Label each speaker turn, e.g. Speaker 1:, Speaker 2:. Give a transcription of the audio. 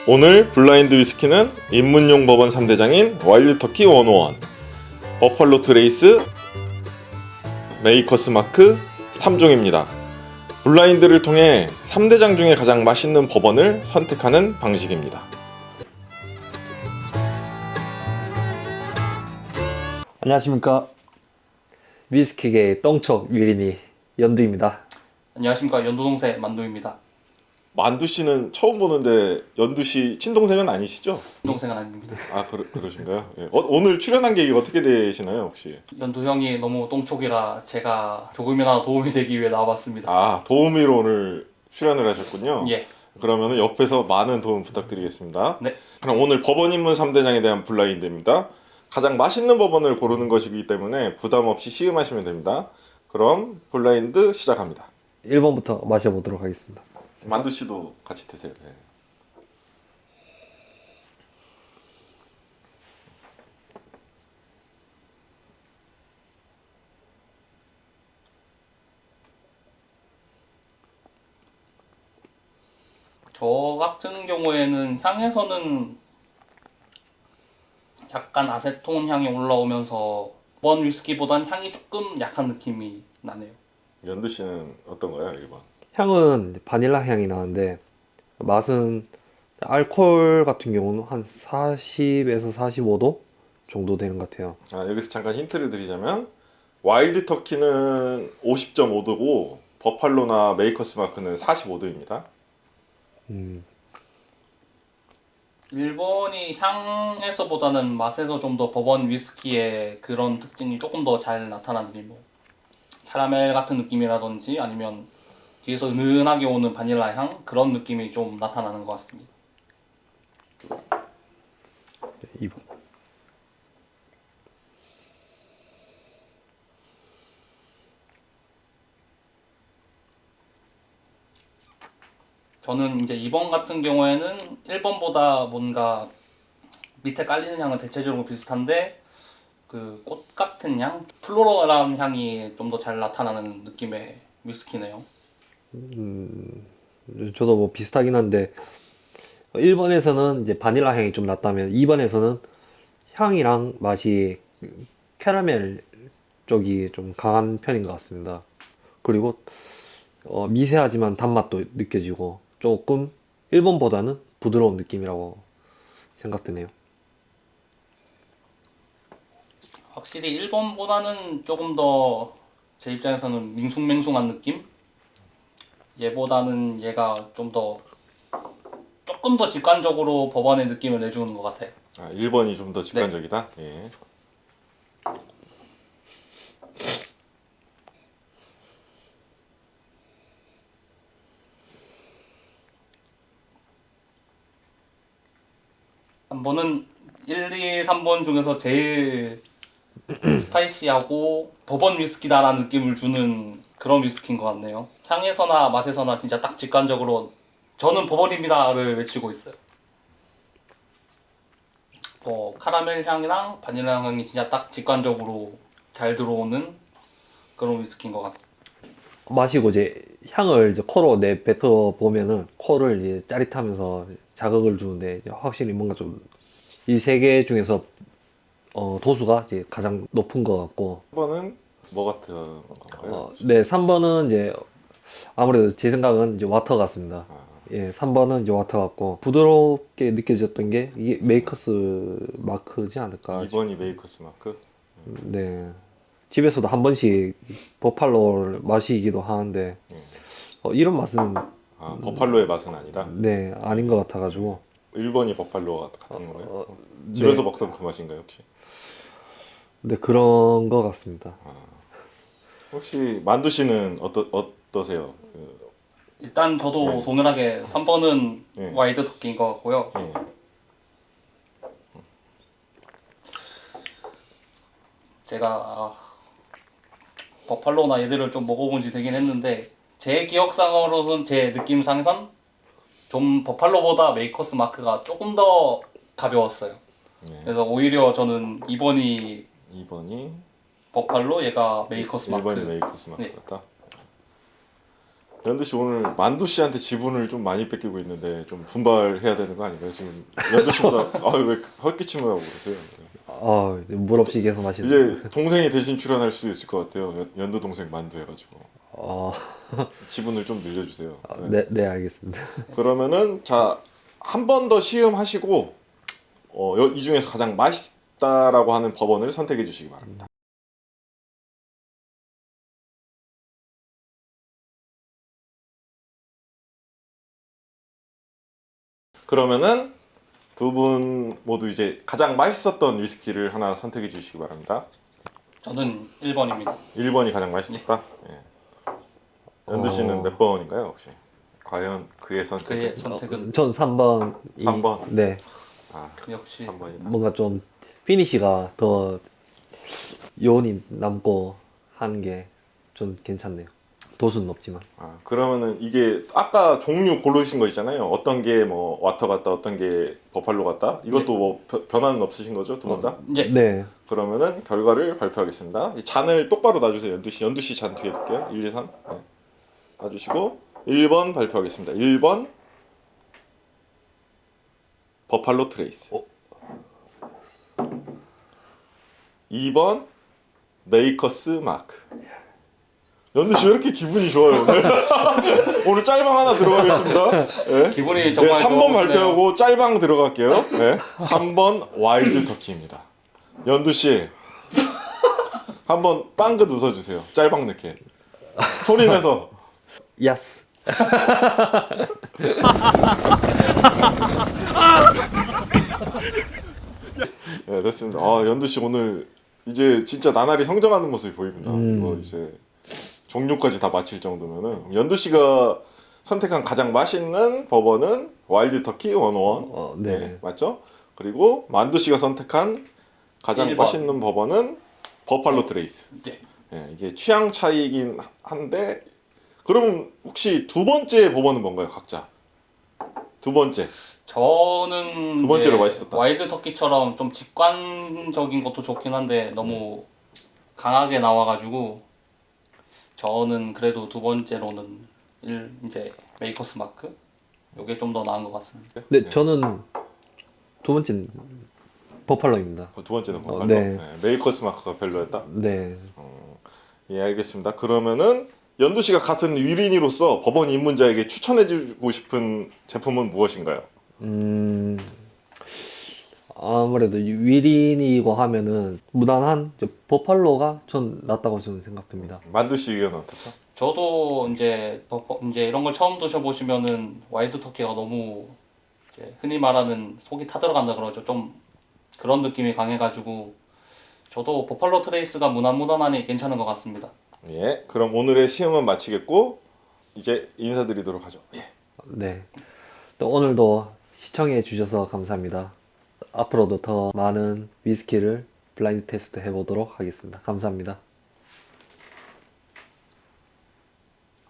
Speaker 1: 오늘 블라인드 위스키는 입문용 버번 3대장인 와일드 터키 101, 버팔로 트레이스, 메이커스 마크 3종입니다. 블라인드를 통해 3대장 중에 가장 맛있는 버번을 선택하는 방식입니다.
Speaker 2: 안녕하십니까. 위스키계의 똥촉 유린이 연두입니다.
Speaker 3: 안녕하십니까. 연도동생 만두입니다.
Speaker 1: 만두씨는 처음 보는데 연두씨 친동생은 아니시죠?
Speaker 3: 동생은 아닙니다.
Speaker 1: 아 그러신가요? 예. 오늘 출연한 계획이 어떻게 되시나요 혹시?
Speaker 3: 연도 형이 너무 똥촉이라 제가 조금이나마 도움이 되기 위해 나와봤습니다.
Speaker 1: 아 도우미로 오늘 출연을 하셨군요.
Speaker 3: 예.
Speaker 1: 그러면 옆에서 많은 도움 부탁드리겠습니다.
Speaker 3: 네.
Speaker 1: 그럼 오늘 버번 입문 3대장에 대한 블라인드입니다. 가장 맛있는 버번을 고르는 것이기 때문에 부담 없이 시음하시면 됩니다. 그럼 블라인드 시작합니다.
Speaker 2: 1번부터 마셔보도록 하겠습니다.
Speaker 1: 만두 씨도 같이 드세요. 네.
Speaker 3: 저 같은 경우에는 향에서는 약간 아세톤 향이 올라오면서 번 위스키보단 향이 조금 약한 느낌이 나네요.
Speaker 1: 연두 씨는 어떤가요? 1번.
Speaker 2: 향은 바닐라 향이 나는데 맛은 알코올 같은 경우는 한 40에서 45도 정도 되는 것 같아요.
Speaker 1: 아, 여기서 잠깐 힌트를 드리자면 와일드 터키는 50.5도고 버팔로나 메이커스 마크는 45도입니다.
Speaker 3: 일본이 향에서보다는 맛에서 좀 더 버번 위스키의 그런 특징이 조금 더 잘 나타나는 뭐 캐러멜 같은 느낌이라든지 아니면 뒤에서 은은하게 오는 바닐라 향 그런 느낌이 좀 나타나는 것 같습니다.
Speaker 2: 2번.
Speaker 3: 저는 이제 2번 같은 경우에는 1번보다 뭔가 밑에 깔리는 향은 대체적으로 비슷한데 그 꽃 같은 향, 플로럴한 향이 좀 더 잘 나타나는 느낌의 위스키네요.
Speaker 2: 저도 뭐 비슷하긴 한데 1번에서는 이제 바닐라 향이 좀 났다면 2번에서는 향이랑 맛이 캐러멜 쪽이 좀 강한 편인 것 같습니다. 그리고 미세하지만 단맛도 느껴지고 조금 1번보다는 부드러운 느낌이라고 생각되네요.
Speaker 3: 확실히 1번보다는 조금 더 제 입장에서는 밍숭맹숭한 느낌? 얘보다는 얘가 조금 더 직관적으로 법원의 느낌을 내주는 것 같아요.
Speaker 1: 아, 1번이 좀 더 직관적이다? 예.
Speaker 3: 한 번은 1, 2, 3번 중에서 제일 스파이시하고 버번 위스키다라는 느낌을 주는 그런 위스키인 것 같네요. 향에서나 맛에서나 진짜 딱 직관적으로 저는 버번입니다를 외치고 있어요. 카라멜 향이랑 바닐라 향이 진짜 딱 직관적으로 잘 들어오는 그런 위스키인 것 같습니다.
Speaker 2: 마시고 이제 향을 이제 코로 내뱉어 보면은 코를 이제 짜릿하면서 자극을 주는데 이제 확실히 뭔가 좀 이 세 개 중에서 도수가 이제 가장 높은 것 같고
Speaker 1: 1번은 뭐 같은 건가요?
Speaker 2: 네 3번은 이제 아무래도 제 생각은 이제 와터 같습니다.
Speaker 1: 아,
Speaker 2: 예 3번은 이제 와터 같고 부드럽게 느껴졌던 게 이게 메이커스 마크지 않을까.
Speaker 1: 2번이 메이커스 마크?
Speaker 2: 네 집에서도 한 번씩 버팔로를 마시기도 하는데 이런 맛은
Speaker 1: 아, 버팔로의 맛은 아니다?
Speaker 2: 네 아닌 것 같아가지고
Speaker 1: 1번이 버팔로 같은 거예요?
Speaker 2: 네.
Speaker 1: 집에서 먹던 그 맛인가요 혹시?
Speaker 2: 네 그런 것 같습니다.
Speaker 1: 혹시 만두 씨는 어떠세요?
Speaker 3: 일단 저도
Speaker 1: 네.
Speaker 3: 동일하게 3번은
Speaker 1: 네.
Speaker 3: 와이드 터키인 것 같고요.
Speaker 1: 예.
Speaker 3: 제가 버팔로나 얘들을 좀 먹어본 지 되긴 했는데 제 기억상으로는 제 느낌상선 좀 버팔로보다 메이커스 마크가 조금 더 가벼웠어요.
Speaker 1: 네.
Speaker 3: 그래서 오히려 저는 2번이
Speaker 1: 2번이
Speaker 3: 버팔로, 얘가 메이커스 마크.
Speaker 1: 1번이 메이커스 마크
Speaker 3: 네.
Speaker 1: 같다? 연두 씨 오늘 만두 씨한테 지분을 좀 많이 뺏기고 있는데 좀 분발해야 되는 거 아닌가요? 지금 연두 씨보다 왜 헛기침을 하고 그러세요?
Speaker 2: 물 없이 계속 마시는.
Speaker 1: 이제 동생이 대신 출연할 수도 있을 것 같아요. 연두 동생 만두 해가지고
Speaker 2: 어,
Speaker 1: 지분을 좀 늘려주세요. 네.
Speaker 2: 네, 네, 알겠습니다.
Speaker 1: 그러면은 자 한 번 더 시음하시고 이 중에서 가장 맛있다라고 하는 법원을 선택해 주시기 바랍니다. 그러면은 두 분 모두 이제 가장 맛있었던 위스키를 하나 선택해 주시기 바랍니다.
Speaker 3: 저는 1번입니다.
Speaker 1: 1번이 가장 맛있었다. 예. 연두 씨는 몇 번인가요 혹시? 과연 그의 선택은?
Speaker 3: 그의 선택은
Speaker 2: 전 3번.
Speaker 1: 3번?
Speaker 2: 네,
Speaker 1: 아,
Speaker 3: 역시
Speaker 1: 3번이다.
Speaker 2: 뭔가 좀 피니시가 더 여운이 남고 하는 게 좀 괜찮네요. 도수는 높지만.
Speaker 1: 아, 그러면은 이게 아까 종류 고르신 거 있잖아요. 어떤 게 뭐 와터 같다, 어떤 게 버팔로 같다. 이것도 뭐 변화는 없으신 거죠, 두 번 다?
Speaker 3: 이제
Speaker 2: 네,
Speaker 1: 그러면은 결과를 발표하겠습니다. 이 잔을 똑바로 놔주세요. 연두 씨 잔 뒤에 볼게요. 1, 2, 3. 네. 놔주시고 1번 발표하겠습니다. 1번 버팔로 트레이스. 2번 메이커스 마크. 연두 씨 왜 이렇게 기분이 좋아요 오늘? 오늘 짤방 하나 들어가겠습니다. 네.
Speaker 3: 기분이 정말
Speaker 1: 3번
Speaker 3: 좋으시네요.
Speaker 1: 발표하고 짤방 들어갈게요. 네. 3번 와일드 터키입니다. 연두 씨 한번 빵긋 웃어주세요. 짤방 넣게. 소리 내서.
Speaker 2: 야스.
Speaker 1: 네, 됐습니다. 연두 씨 오늘 이제 진짜 나날이 성장하는 모습이 보입니다. 이거 이제 종류까지 다 맞힐 정도면은 연두 씨가 선택한 가장 맛있는 버번은 와일드 터키 101.
Speaker 2: 네.
Speaker 1: 네, 맞죠? 그리고 만두 씨가 선택한 가장
Speaker 3: 1번.
Speaker 1: 맛있는 버번은 버팔로 트레이스.
Speaker 3: 네.
Speaker 1: 예, 이게 취향 차이긴 한데 그럼 혹시 두 번째 버번은 뭔가요, 각자? 두 번째.
Speaker 3: 저는
Speaker 1: 두 번째로
Speaker 3: 이제
Speaker 1: 맛있었다.
Speaker 3: 와일드 터키처럼 좀 직관적인 것도 좋긴 한데 너무 강하게 나와가지고 저는 그래도 두 번째로는 이제 메이커스 마크 이게 좀 더 나은 것 같습니다.
Speaker 2: 네, 저는 두 번째는 버팔로입니다.
Speaker 1: 두 번째는 버팔로.
Speaker 2: 네.
Speaker 1: 메이커스 마크가 별로였다.
Speaker 2: 네,
Speaker 1: 예, 알겠습니다. 그러면은 연두 씨가 같은 위린이로서 법원 입문자에게 추천해주고 싶은 제품은 무엇인가요?
Speaker 2: 아무래도 위린이고 하면은 무난한 버팔로가 전 낫다고 저는 생각됩니다.
Speaker 1: 만두 씨 의견은 어떻죠?
Speaker 3: 저도 이제 이런 걸 처음 드셔보시면은 와일드 터키가 너무 이제 흔히 말하는 속이 타들어간다 그러죠. 좀 그런 느낌이 강해가지고 저도 버팔로 트레이스가 무난무난하니 괜찮은 것 같습니다.
Speaker 1: 예, 그럼 오늘의 시험은 마치겠고 이제 인사드리도록 하죠. 예.
Speaker 2: 네, 또 오늘도 시청해 주셔서 감사합니다. 앞으로도 더 많은 위스키를 블라인드 테스트 해보도록 하겠습니다. 감사합니다.